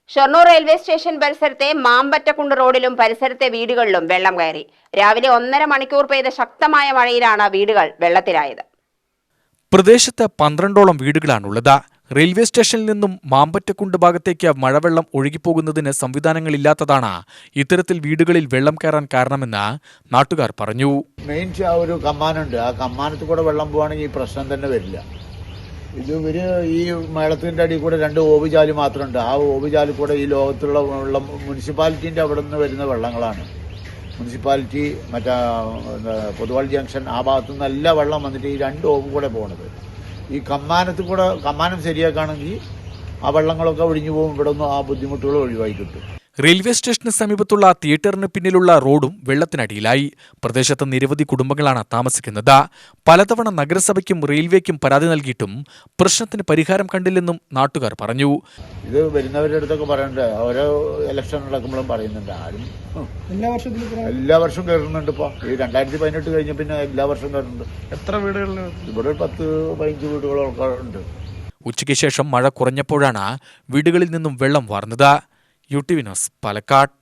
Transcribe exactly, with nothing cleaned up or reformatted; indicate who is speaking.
Speaker 1: Shoranur railway station പരിസരത്തെ മാമ്പറ്റക്കുണ്ട് റോഡിലും പരിസരത്തെ വീടുകളിലും വെള്ളം കയറി. രാവിലെ ഒന്നര മണിക്കൂർ പെയ്ത ശക്തമായ മഴയിലാണ് വീടുകൾ വെള്ളത്തിലായത്.
Speaker 2: പ്രദേശത്ത് പന്ത്രണ്ടോളം വീടുകളാണുള്ളത്. റെയിൽവേ സ്റ്റേഷനിൽ നിന്നും മാമ്പറ്റക്കുണ്ട് ഭാഗത്തേക്ക് മഴവെള്ളം ഒഴുകിപ്പോകുന്നതിന് സംവിധാനങ്ങളില്ലാത്തതാണ് ഇത്തരത്തിൽ വീടുകളിൽ വെള്ളം കയറാൻ കാരണമെന്ന് നാട്ടുകാർ പറഞ്ഞു.
Speaker 3: മെയിൻ ഒരു കമ്മാനുണ്ട്, ആ കമ്മാനത്തിൽ കൂടെ വെള്ളം പോവുകയാണെങ്കിൽ ഈ പ്രശ്നം തന്നെ വരില്ല. ഇത് ഇവര് ഈ മേളത്തിന്റെ അടിയിൽ കൂടെ രണ്ട് ഓവുചാല് മാത്രമുണ്ട്. ആ ഓവുചാലിൽ കൂടെ ഈ ലോകത്തുള്ള വെള്ളം മുനിസിപ്പാലിറ്റിന്റെ അവിടെ നിന്ന് വരുന്ന വെള്ളങ്ങളാണ്. മുനിസിപ്പാലിറ്റി മറ്റേ പൊതുവാൾ ജംഗ്ഷൻ ആ ഭാഗത്തു നിന്ന് എല്ലാ വെള്ളം വന്നിട്ട് ഈ രണ്ട് ഓവ് കൂടെ പോണത്. ഈ കമ്മാനത്തിൽ കൂടെ കമ്മാനം ശരിയാക്കുകയാണെങ്കിൽ ആ വെള്ളങ്ങളൊക്കെ ഒഴിഞ്ഞു പോകും. ഇവിടെ ഒന്നും ആ ബുദ്ധിമുട്ടുകൾ ഒഴിവായി കിട്ടും.
Speaker 2: റെയിൽവേ സ്റ്റേഷന് സമീപത്തുള്ള തിയേറ്ററിന് പിന്നിലുള്ള റോഡും വെള്ളത്തിനടിയിലായി. പ്രദേശത്ത് നിരവധി കുടുംബങ്ങളാണ് താമസിക്കുന്നത്. പലതവണ നഗരസഭയ്ക്കും റെയിൽവേക്കും പരാതി നൽകിയിട്ടും പ്രശ്നത്തിന് പരിഹാരം കണ്ടില്ലെന്നും നാട്ടുകാർ പറഞ്ഞു.
Speaker 3: ഇത് വരുന്നവരുടെ അടുത്തൊക്കെ പറയണ്ടേ, ഓരോ ഇലക്ഷൻ നടക്കുമ്പോഴും പറയുന്നുണ്ട്. ആരും
Speaker 4: എല്ലാ വർഷത്തിലും
Speaker 3: എല്ലാ വർഷവും കയറുന്നുണ്ട്. ഇപ്പോൾ ഈ രണ്ടായിരത്തി പതിനെട്ട് കഴിഞ്ഞ പിന്നെ എല്ലാ വർഷവും കയറുന്നുണ്ട്.
Speaker 4: എത്ര വീടുകളിൽ?
Speaker 3: ഇവിടെ പത്ത് പതിനഞ്ച് വീടുകളൊക്കെ ഉണ്ട്.
Speaker 2: ഉച്ചയ്ക്ക് ശേഷം മഴ കുറഞ്ഞപ്പോഴാണ് വീടുകളിൽ നിന്നും വെള്ളം വാർന്നത്. U T V news Palakkad.